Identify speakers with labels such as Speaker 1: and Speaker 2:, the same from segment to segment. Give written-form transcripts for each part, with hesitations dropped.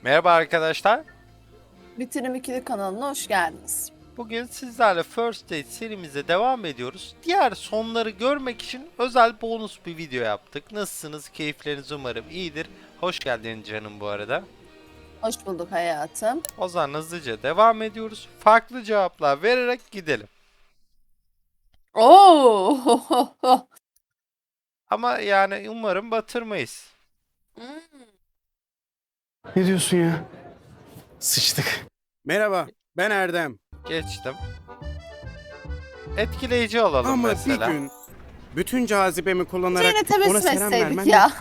Speaker 1: Merhaba arkadaşlar.
Speaker 2: Bitirim İkili kanalına hoş geldiniz.
Speaker 1: Bugün sizlerle First Date serimize devam ediyoruz. Diğer sonları görmek için özel bonus bir video yaptık. Nasılsınız? Keyifleriniz umarım iyidir. Hoş geldin canım bu arada.
Speaker 2: Hoş bulduk hayatım.
Speaker 1: O zaman hızlıca devam ediyoruz. Farklı cevaplar vererek gidelim.
Speaker 2: Oo.
Speaker 1: Ama yani umarım batırmayız.
Speaker 3: Ne diyorsun ya? Sıçtık. Merhaba, ben Erdem.
Speaker 1: Geçtim. Etkileyici olalım
Speaker 3: Ama
Speaker 1: mesela.
Speaker 3: bir gün bütün cazibemi kullanarak
Speaker 2: Yine
Speaker 3: ona
Speaker 2: tebessüm
Speaker 3: selam vermen...
Speaker 2: etseydik ya.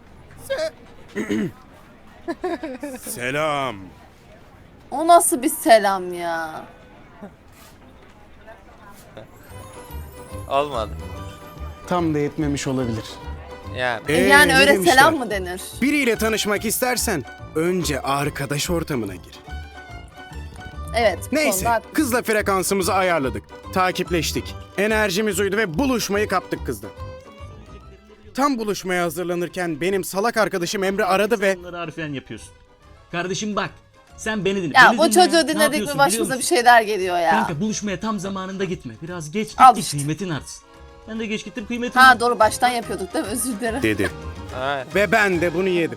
Speaker 3: Selam.
Speaker 2: O nasıl bir selam ya?
Speaker 1: Olmadı.
Speaker 3: Tam da yetmemiş olabilir.
Speaker 1: Yani.
Speaker 2: Yani
Speaker 3: ne
Speaker 2: öyle
Speaker 3: demişler?
Speaker 2: selam mı denir?
Speaker 3: Biriyle tanışmak istersen önce arkadaş ortamına gir.
Speaker 2: Evet. bu
Speaker 3: Neyse,
Speaker 2: konuda haklısın.
Speaker 3: kızla frekansımızı ayarladık. Takipleştik. Enerjimiz uydu ve buluşmayı kaptık kızla. Tam buluşmaya hazırlanırken benim salak arkadaşım Emre aradı ve...
Speaker 4: Bunları harfiyen yapıyorsun. Kardeşim bak, sen beni dinle.
Speaker 2: Ya
Speaker 4: Beni
Speaker 2: bu
Speaker 4: dinle.
Speaker 2: çocuğu
Speaker 4: Ne
Speaker 2: dinledik
Speaker 4: yapıyorsun
Speaker 2: mi başımıza bir şeyler geliyor ya.
Speaker 4: Kanka buluşmaya tam zamanında gitme. Biraz geç git
Speaker 2: Al
Speaker 4: ki
Speaker 2: işte.
Speaker 4: kıymetin artsın. Ben de geç gittim kıymetin
Speaker 2: Ha
Speaker 4: artsın.
Speaker 2: doğru baştan yapıyorduk değil mi? Özür dilerim.
Speaker 3: dedi.
Speaker 1: Aynen.
Speaker 3: Ve ben de bunu yedim.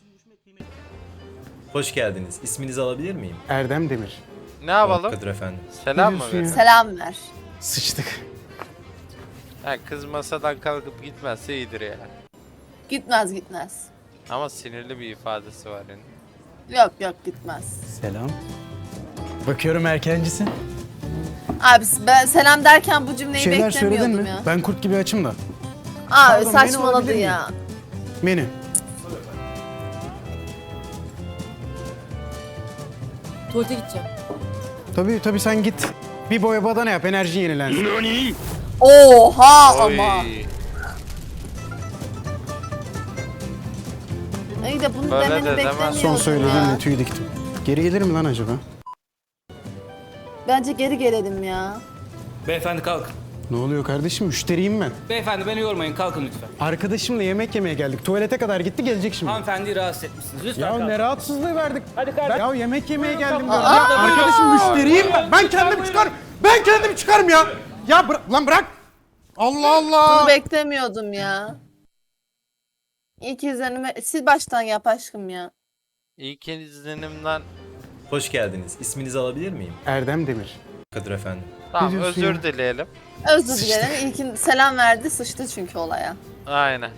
Speaker 5: Hoş geldiniz. İsminizi alabilir miyim?
Speaker 3: Erdem Demir.
Speaker 1: Ne yapalım?
Speaker 5: Kadir efendim.
Speaker 1: Selam mı
Speaker 3: diyorsun ya?
Speaker 1: verelim?
Speaker 2: Selam ver.
Speaker 3: Sıçtık.
Speaker 1: Ha, kız masadan kalkıp gitmezse iyidir ya.
Speaker 2: Gitmez gitmez.
Speaker 1: Ama sinirli bir ifadesi var yani.
Speaker 2: Yok gitmez.
Speaker 3: Selam. Bakıyorum erkencisin.
Speaker 2: Abi ben selam derken bu cümleyi
Speaker 3: Şeyler söyledin
Speaker 2: beklemiyordum
Speaker 3: mi?
Speaker 2: ya.
Speaker 3: Ben kurt gibi açım da.
Speaker 2: Abi
Speaker 3: Pardon, beni
Speaker 2: saçmaladı
Speaker 3: alabilir
Speaker 2: ya.
Speaker 3: Menü.
Speaker 6: Tuvalete gideceğim.
Speaker 3: Tabii sen git. Bir boya badana yap, enerji yenilensin.
Speaker 2: Oha
Speaker 1: Oy.
Speaker 2: ama. İyi de bunu
Speaker 1: Böyle
Speaker 2: demeni
Speaker 1: de demem.
Speaker 2: beklemiyordum
Speaker 3: Son söylediğimle
Speaker 2: ya.
Speaker 3: tüy diktim. Geri gelir mi lan acaba?
Speaker 2: Bence geri gelelim ya.
Speaker 7: Beyefendi kalkın.
Speaker 3: Ne oluyor kardeşim? Müşteriyim ben.
Speaker 7: Beyefendi beni yormayın, kalkın lütfen.
Speaker 3: Arkadaşımla yemek yemeye geldik. Tuvalete kadar gitti, gelecek şimdi.
Speaker 7: Hanımefendiyi rahatsız etmişsiniz. Lütfen
Speaker 3: Ya
Speaker 7: kalkın.
Speaker 3: ne rahatsızlığı verdik.
Speaker 7: Hadi kardeşim.
Speaker 3: Ya yemek yemeye geldim.
Speaker 7: kapı.
Speaker 3: diyorum.
Speaker 7: Aa!
Speaker 3: Ya arkadaşım
Speaker 7: Buyurun.
Speaker 3: müşteriyim ben. Ben kendim
Speaker 7: buyurun.
Speaker 3: çıkarım. Ben kendim çıkarım ya. Ya lan bırak. Allah Allah.
Speaker 2: Bunu beklemiyordum ya. İlk izlenime sil baştan yap aşkım ya.
Speaker 1: İlk izlenimden
Speaker 5: Hoş geldiniz. İsminizi alabilir miyim?
Speaker 3: Erdem Demir.
Speaker 5: Kadir efendim.
Speaker 1: tamam
Speaker 3: diyorsun
Speaker 1: özür
Speaker 3: ya?
Speaker 1: dileyelim.
Speaker 2: Özür dilerim. İlkin selam verdi sıçtı çünkü olaya.
Speaker 1: Aynen.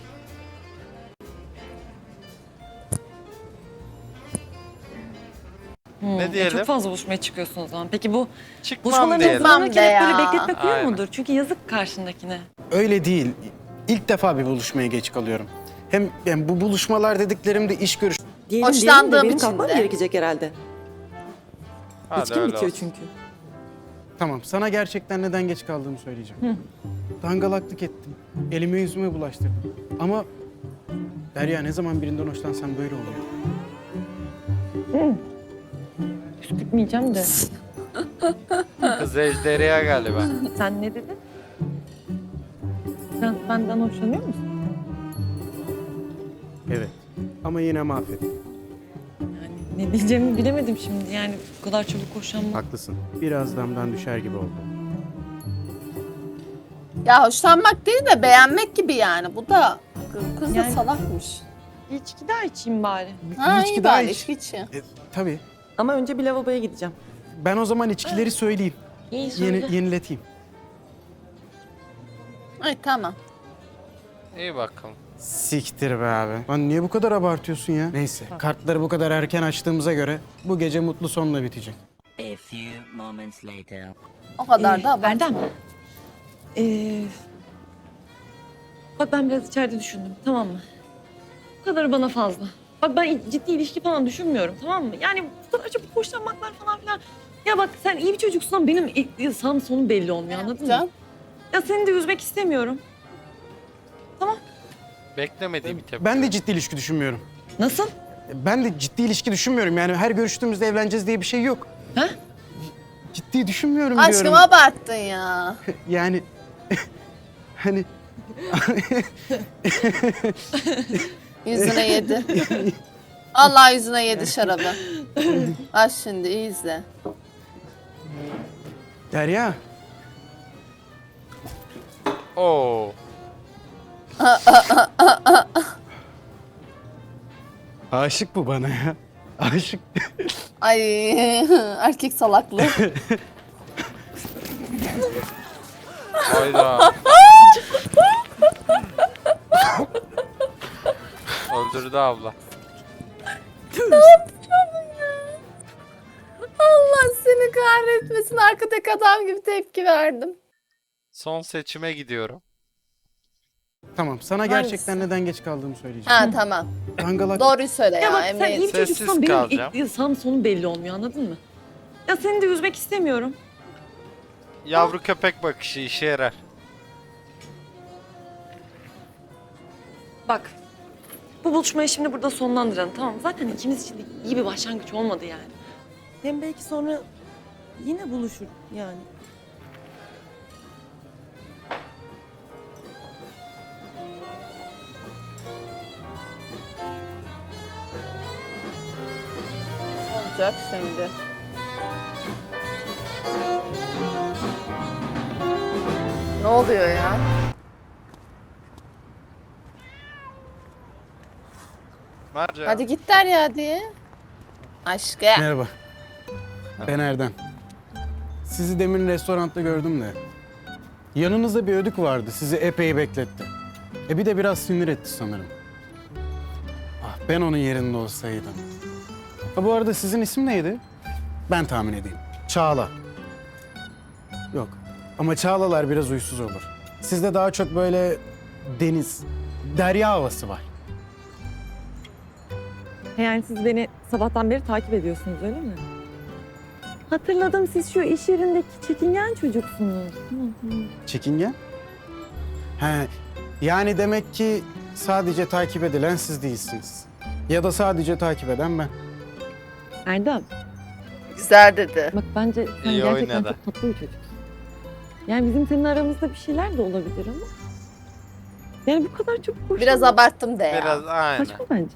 Speaker 1: Ne diyelim?
Speaker 6: Çok fazla buluşmaya çıkıyorsun o zaman. Peki bu
Speaker 1: Çıkmam
Speaker 6: buluşmaların
Speaker 1: diyelim.
Speaker 2: Çıkmam
Speaker 6: hızlanırken
Speaker 2: de
Speaker 6: hep böyle
Speaker 2: ya.
Speaker 6: bekletmek uyuyor
Speaker 1: Aynen.
Speaker 6: mudur? Çünkü yazık karşındakine.
Speaker 3: Öyle değil. İlk defa bir buluşmaya geç kalıyorum. Hem yani bu buluşmalar dediklerimde iş görüş.
Speaker 2: Hoşlandığım
Speaker 6: benim
Speaker 2: için
Speaker 6: kalkmam
Speaker 2: de.
Speaker 6: gerekecek herhalde.
Speaker 1: Hadi
Speaker 6: İçkim
Speaker 1: öyle
Speaker 6: bitiyor
Speaker 1: olsun.
Speaker 6: çünkü.
Speaker 3: Tamam, sana gerçekten neden geç kaldığımı söyleyeceğim. Dangalaklık ettim. Elime yüzüme bulaştırdım. Ama Derya, ne zaman birinden hoşlansam böyle oluyor.
Speaker 6: Püskürtmeyeceğim de.
Speaker 1: Kız ejderha galiba.
Speaker 6: Sen ne dedin? Sen benden hoşlanıyor musun?
Speaker 3: Evet. Ama yine mahvettim.
Speaker 6: Yani ne diyeceğimi bilemedim şimdi. Yani bu kadar çabuk hoşlanmak.
Speaker 3: Haklısın. Biraz damdan düşer gibi oldu.
Speaker 2: Ya hoşlanmak değil de beğenmek gibi yani. Bu da kız da
Speaker 6: Yani-
Speaker 2: salakmış.
Speaker 6: Bir içki daha içeyim bari.
Speaker 2: Ha
Speaker 3: içki
Speaker 2: iyi
Speaker 3: daha
Speaker 2: bari
Speaker 3: iç.
Speaker 2: içki içi.
Speaker 3: Tabii.
Speaker 6: Ama önce bir lavaboya gideceğim.
Speaker 3: Ben o zaman içkileri söyleyeyim.
Speaker 6: İyi söyle.
Speaker 3: Yenileteyim.
Speaker 2: Ay tamam.
Speaker 1: İyi bakalım.
Speaker 3: Siktir be abi. Lan niye bu kadar abartıyorsun ya? Neyse, kartları bu kadar erken açtığımıza göre bu gece mutlu sonla bitecek.
Speaker 8: A few moments later.
Speaker 2: O kadar da abart.
Speaker 6: Erdem. Bak ben biraz içeride düşündüm, tamam mı? Bu kadarı bana fazla. Bak ben ciddi ilişki falan düşünmüyorum, tamam mı? Yani bu kadar çabuk hoşlanmaklar falan filan. Ya bak sen iyi bir çocuksun ama benim sağım sonum belli olmuyor, anladın
Speaker 2: Can.
Speaker 6: mı? Ya seni de üzmek istemiyorum.
Speaker 1: Beklemediğim bir tepki.
Speaker 3: Ben de ciddi ilişki düşünmüyorum.
Speaker 6: Nasıl?
Speaker 3: Ben de ciddi ilişki düşünmüyorum. Yani her görüştüğümüzde evleneceğiz diye bir şey yok.
Speaker 6: Ha?
Speaker 3: Ciddi düşünmüyorum
Speaker 2: Aşkım
Speaker 3: diyorum.
Speaker 2: abarttın ya.
Speaker 3: Yani hani
Speaker 2: Yüzüne yedi. Allah yüzüne yedi şarabı. Bak şimdi iyi izle.
Speaker 3: Derya.
Speaker 1: Oo.
Speaker 3: Aşık bu bana ya. Aşık.
Speaker 2: Ay erkek salaklığı.
Speaker 1: Hayda. Öldürdü abla.
Speaker 2: Allah seni kahretmesin. Arkadaki adam gibi tepki verdim.
Speaker 1: Son seçime gidiyorum.
Speaker 3: Tamam, sana
Speaker 2: Hangisi?
Speaker 3: gerçekten neden geç kaldığımı söyleyeceğim.
Speaker 2: Ha tamam.
Speaker 3: Dangalak.
Speaker 2: Doğruyu söyle ya.
Speaker 6: Ya bak sen
Speaker 2: Emre.
Speaker 6: iyi bir
Speaker 1: Sessiz
Speaker 6: çocuksan benim
Speaker 1: kalacağım.
Speaker 6: ilk sağım sonum belli olmuyor, anladın mı? Ya seni de üzmek istemiyorum.
Speaker 1: Yavru köpek bakışı işe yarar.
Speaker 6: Bak, bu buluşmayı şimdi burada sonlandıralım, tamam mı? Zaten ikimiz için de iyi bir başlangıç olmadı yani. Hem belki sonra yine buluşur yani.
Speaker 2: Olacak şimdi. Ne oluyor ya?
Speaker 1: Mercan.
Speaker 2: Hadi git der ya diye. Aşkı.
Speaker 3: Merhaba. Ben Erdem. Sizi demin restoranda gördüm de. Yanınızda bir ödük vardı. Sizi epey bekletti. Bir de biraz sinir etti sanırım. Ah, ben onun yerinde olsaydım. Ha, bu arada sizin isim neydi? Ben tahmin edeyim. Çağla. Yok. Ama Çağlalar biraz uysuz olur. Sizde daha çok böyle deniz, derya havası var.
Speaker 6: Yani siz beni sabahtan beri takip ediyorsunuz, öyle mi? Hatırladım, siz şu iş yerindeki çekingen çocuksunuz.
Speaker 3: Çekingen? He, yani demek ki sadece takip edilen siz değilsiniz. Ya da sadece takip eden ben.
Speaker 6: Erdem,
Speaker 2: Güzel dedi.
Speaker 6: bak bence sen
Speaker 1: İyi
Speaker 6: gerçekten
Speaker 1: oynadı.
Speaker 6: çok tatlı bir çocuksun. Yani bizim senin aramızda bir şeyler de olabilir ama... Yani bu kadar çok hoş.
Speaker 2: Biraz abarttım de ya.
Speaker 1: Biraz aynen.
Speaker 6: Saçma bence.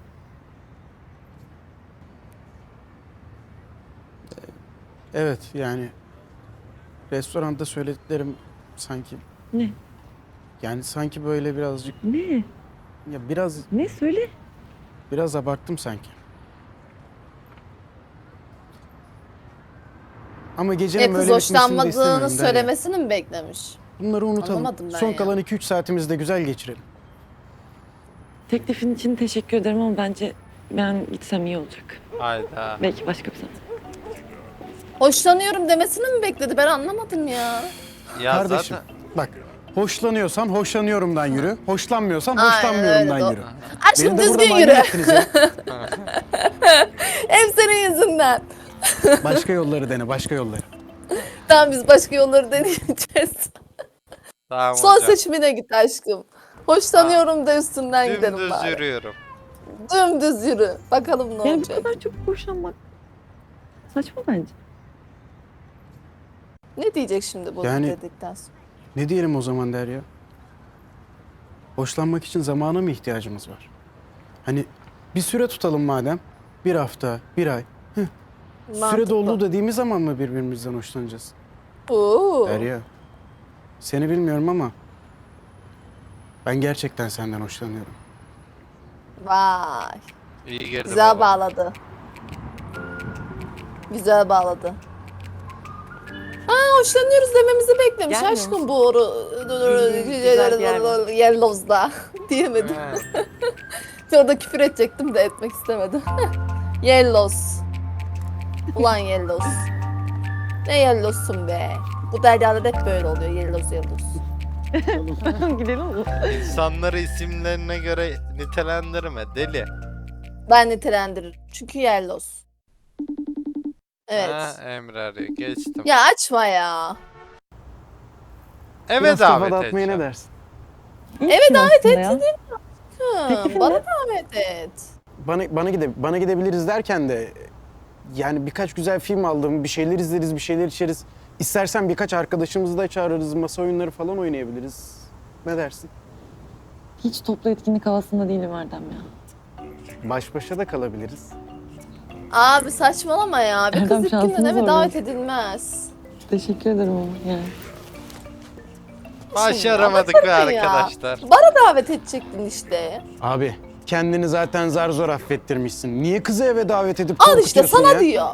Speaker 3: Evet, yani restoranda söylediklerim sanki,
Speaker 6: Ne?
Speaker 3: yani sanki böyle birazcık,
Speaker 6: Ne?
Speaker 3: ya
Speaker 6: Ne? Söyle.
Speaker 3: biraz abarttım sanki. Ama gecenin
Speaker 2: Kız
Speaker 3: böyle bitmesini de
Speaker 2: hoşlanmadığını
Speaker 3: istemiyorum Derya.
Speaker 2: söylemesini mi beklemiş?
Speaker 3: Bunları unutalım.
Speaker 2: Anlamadım ben
Speaker 3: Son
Speaker 2: ya.
Speaker 3: kalan 2-3 saatimizi de güzel geçirelim.
Speaker 6: Teklifin için teşekkür ederim ama bence ben gitsem iyi olacak.
Speaker 1: Hayda.
Speaker 6: Belki başka bir zaman.
Speaker 2: Hoşlanıyorum demesini mi bekledi? Ben anlamadım ya.
Speaker 1: Ya
Speaker 3: Kardeşim,
Speaker 1: zaten
Speaker 3: bak, hoşlanıyorsan hoşlanıyorumdan yürü, hoşlanmıyorsan
Speaker 2: Aynen
Speaker 3: hoşlanmıyorumdan
Speaker 2: öyle,
Speaker 3: yürü.
Speaker 2: Aşkım
Speaker 3: Beni de burada
Speaker 2: düzgün
Speaker 3: maymun
Speaker 2: yürü.
Speaker 3: ettiniz ya.
Speaker 2: Hep senin yüzünden.
Speaker 3: Başka yolları dene, başka yolları.
Speaker 2: Tamam biz başka yolları deneyeceğiz.
Speaker 1: tamam
Speaker 2: Son
Speaker 1: hocam.
Speaker 2: seçimine git aşkım. Hoşlanıyorum da üstünden gidelim
Speaker 1: Dümdüz
Speaker 2: bari.
Speaker 1: yürüyorum.
Speaker 2: Dümdüz yürü. Bakalım ne
Speaker 6: Yani bu
Speaker 2: olacak.
Speaker 6: kadar çok hoşlanmak saçma bence.
Speaker 2: Ne diyecek şimdi bu
Speaker 3: Yani-
Speaker 2: dedikten sonra?
Speaker 3: Ne diyelim o zaman Derya? Hoşlanmak için zamana mı ihtiyacımız var? Hani bir süre tutalım madem. 1 hafta, 1 ay. Süre
Speaker 2: Mantıklı.
Speaker 3: doldu dediğimiz zaman mı birbirimizden hoşlanacağız?
Speaker 2: Oo.
Speaker 3: Derya, seni bilmiyorum ama ben gerçekten senden hoşlanıyorum.
Speaker 2: Vay.
Speaker 1: İyi girdi
Speaker 2: Güzel
Speaker 1: baba.
Speaker 2: bağladı. Güzel bağladı. Ha hoşlanıyoruz dememizi beklemiş
Speaker 6: Gelmiyor
Speaker 2: aşkım
Speaker 6: musun?
Speaker 2: bu
Speaker 6: Güzel bir yer var.
Speaker 2: Yellows'da diyemedim. Orada küfür edecektim de etmek istemedim. Yellows. Ulan Yellows. Ne Yellows'un be. Bu deryalar hep böyle oluyor. Yellows.
Speaker 6: Gidelim mi?
Speaker 1: İnsanları isimlerine göre nitelendirme deli.
Speaker 2: Ben nitelendiririm. Çünkü Yellows. Evet.
Speaker 1: Ha, Emre arıyor. Geçtim.
Speaker 2: Ya açma ya.
Speaker 1: Eve
Speaker 3: Biraz kafa
Speaker 1: davet
Speaker 3: dağıtmaya
Speaker 1: edeceğim.
Speaker 3: ne dersin?
Speaker 2: Evet, davet
Speaker 6: et. Teklifin
Speaker 2: Bana
Speaker 6: ne?
Speaker 2: davet et.
Speaker 3: Bana gidebiliriz derken de yani birkaç güzel film aldım, bir şeyler izleriz, bir şeyler içeriz. İstersen birkaç arkadaşımızı da çağırırız, masa oyunları falan oynayabiliriz. Ne dersin?
Speaker 6: Hiç toplu etkinlik havasında değilim Erdem ya.
Speaker 3: Baş başa da kalabiliriz.
Speaker 2: Abi saçmalama ya. Bir
Speaker 6: Erdem,
Speaker 2: kız ilk günden
Speaker 6: şansını
Speaker 2: eve
Speaker 6: zorluyorsun.
Speaker 2: davet edilmez.
Speaker 6: Teşekkür ederim ama yani.
Speaker 1: Başaramadık
Speaker 2: Ama
Speaker 1: be
Speaker 2: tabii ya.
Speaker 1: arkadaşlar.
Speaker 2: Bara davet edecektin işte.
Speaker 3: Abi kendini zaten zar zor affettirmişsin. Niye kızı eve davet edip
Speaker 2: Al işte
Speaker 3: korkutuyorsun
Speaker 2: sana
Speaker 3: ya?
Speaker 2: diyor.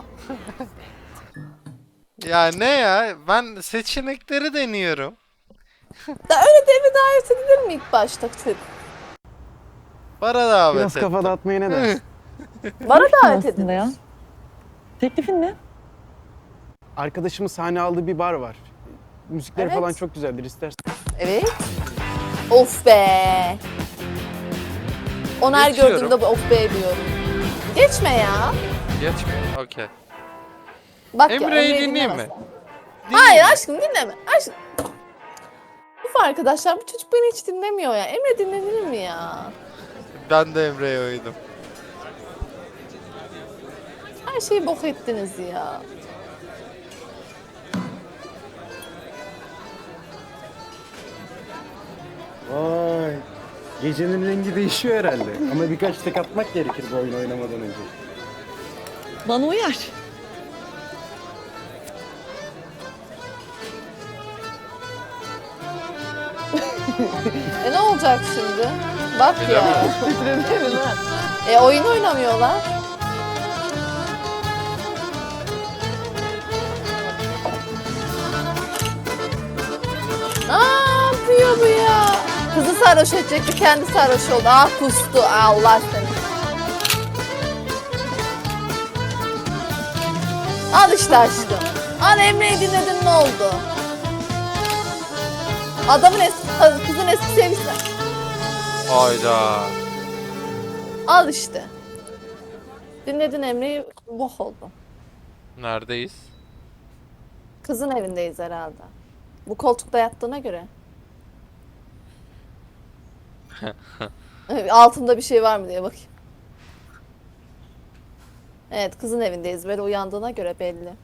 Speaker 1: Ya ne ya? Ben seçenekleri deniyorum.
Speaker 2: Da öyle de eve davet edilir mi ilk başta Türk?
Speaker 1: Bara davet
Speaker 3: Biraz
Speaker 1: ettim.
Speaker 3: kafa dağıtmaya ne dersin?
Speaker 2: Bara davet
Speaker 6: Aslında
Speaker 2: edilir.
Speaker 6: ya. Teklifin ne?
Speaker 3: Arkadaşımın sahne aldığı bir bar var. Müzikleri
Speaker 2: Evet.
Speaker 3: falan çok güzeldir istersen.
Speaker 2: Evet. Of be. Onu her
Speaker 1: Geçiyorum.
Speaker 2: gördüğümde bu of be diyorum. Geçme ya.
Speaker 1: Geçmiyor. Okey.
Speaker 2: Bak ya,
Speaker 1: Emre'yi dinleyeyim mi?
Speaker 2: dinlemezsen. Hayır aşkım dinleme. Aşkım. Uf arkadaşlar bu çocuk beni hiç dinlemiyor ya. Emre dinlenir mi ya?
Speaker 1: Ben de Emre'ye uydum.
Speaker 2: Her şeyi bok ettiniz ya.
Speaker 3: Vay. Gecenin rengi değişiyor herhalde. Ama birkaç tek atmak gerekir bu oyunu oynamadan önce.
Speaker 6: Bana uyar.
Speaker 2: Ne olacak şimdi? Bak ya. Oyun oynamıyorlar. Ne yapıyor bu ya? Kızı sarhoş edecekti, kendi sarhoş oldu. Ah kustu, Allah seni. Al işte aşkım. Al Emre'yi dinledin ne oldu? Adamın kızın eski sevgilisi.
Speaker 1: Hayda.
Speaker 2: Al işte. Dinledin Emre'yi, bok oldu.
Speaker 1: Neredeyiz?
Speaker 2: Kızın evindeyiz herhalde. Bu koltukta yattığına göre. Altında bir şey var mı diye bakayım. Evet, kızın evindeyiz. Böyle uyandığına göre belli.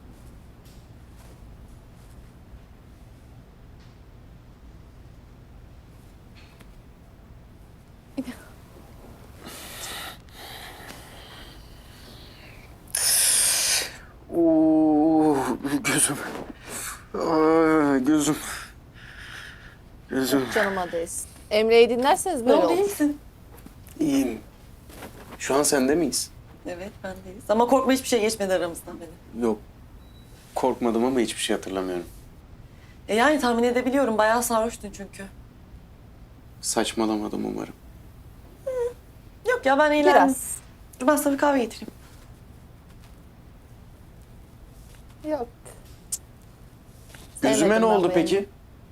Speaker 3: Oo, gözüm. Aa, gözüm. Gözüm.
Speaker 2: Canıma değsin. Emre'yi dinlerseniz böyle olur.
Speaker 6: misin?
Speaker 3: İyiyim. Şu an sende miyiz?
Speaker 6: Evet bendeyiz. Ama korkma hiçbir şey geçmedi aramızdan benim.
Speaker 3: Yok. Korkmadım ama hiçbir şey hatırlamıyorum.
Speaker 6: Yani tahmin edebiliyorum. Bayağı sarhoştun çünkü.
Speaker 3: Saçmalamadım umarım.
Speaker 6: Yok ya ben eğlendim.
Speaker 2: Biraz.
Speaker 6: Dur ben sana bir kahve getireyim.
Speaker 2: Yok.
Speaker 3: Gözüme
Speaker 2: Sevmedim
Speaker 3: ne
Speaker 2: ben
Speaker 3: oldu
Speaker 2: bu
Speaker 3: peki?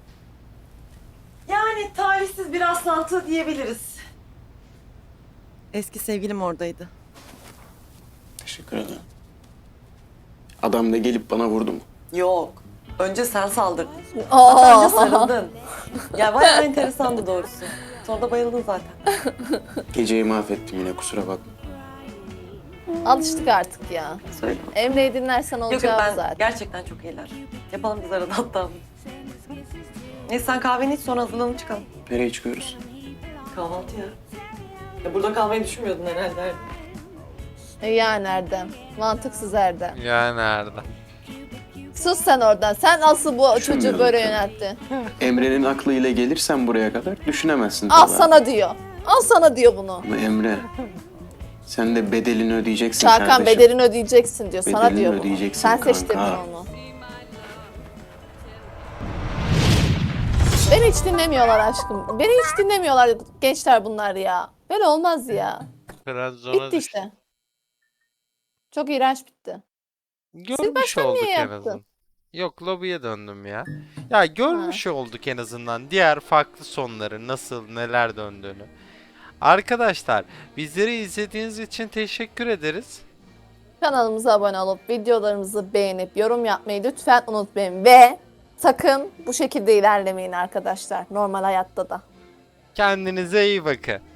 Speaker 6: Yani talihsiz bir rastlantı diyebiliriz. Eski sevgilim oradaydı.
Speaker 3: Teşekkür ederim. Adam da gelip bana vurdu mu?
Speaker 6: Yok. Önce sen saldırdın. Hatta önce
Speaker 2: Aa,
Speaker 6: sarıldın. Ya bayağı enteresandı doğrusu. Sonra da bayıldın zaten.
Speaker 3: Geceyi mahvettim yine kusura bakma.
Speaker 2: alıştık artık ya.
Speaker 6: Söyle.
Speaker 2: Emre'yi dinlersen
Speaker 6: Yok yok
Speaker 2: olacağı
Speaker 6: ben
Speaker 2: zaten.
Speaker 6: gerçekten çok iyiler. Yapalım biz arada hatta. Neyse sen kahveni iç sonra hazırlanıp çıkalım.
Speaker 3: Nereye çıkıyoruz?
Speaker 6: Kahvaltıya. Ya burada kalmayı düşünmüyordun herhalde.
Speaker 2: Yani Erdem. Mantıksız Erdem.
Speaker 1: Ya nerede?
Speaker 2: Sus sen oradan. Sen asıl bu çocuğu
Speaker 3: Düşünmüyorum
Speaker 2: böyle
Speaker 3: tabii.
Speaker 2: yönelttin.
Speaker 3: Emre'nin aklıyla gelirsen buraya kadar düşünemezsin.
Speaker 2: Al
Speaker 3: tabii.
Speaker 2: sana diyor. Al sana diyor bunu.
Speaker 3: Ama Emre, sen de bedelini ödeyeceksin
Speaker 2: Çakan
Speaker 3: kardeşim.
Speaker 2: bedelini ödeyeceksin diyor. Sana
Speaker 3: Bedelini
Speaker 2: diyor bunu.
Speaker 3: ödeyeceksin
Speaker 2: Sen seçtin
Speaker 3: kanka.
Speaker 2: onu. Beni hiç dinlemiyorlar aşkım. Beni hiç dinlemiyorlar gençler bunlar ya. Böyle olmaz ya.
Speaker 1: Biraz zora
Speaker 2: Bitti
Speaker 1: düştü.
Speaker 2: işte. Çok iğrenç bitti.
Speaker 1: Görmüş
Speaker 2: baştan
Speaker 1: olduk
Speaker 2: niye
Speaker 1: en
Speaker 2: yaptın?
Speaker 1: azından. Yok lobiye döndüm ya. Ya görmüş olduk en azından diğer farklı sonları nasıl neler döndüğünü. Arkadaşlar bizleri izlediğiniz için teşekkür ederiz.
Speaker 2: Kanalımıza abone olup videolarımızı beğenip yorum yapmayı lütfen unutmayın. Ve sakın bu şekilde ilerlemeyin arkadaşlar. Normal hayatta da.
Speaker 1: Kendinize iyi bakın.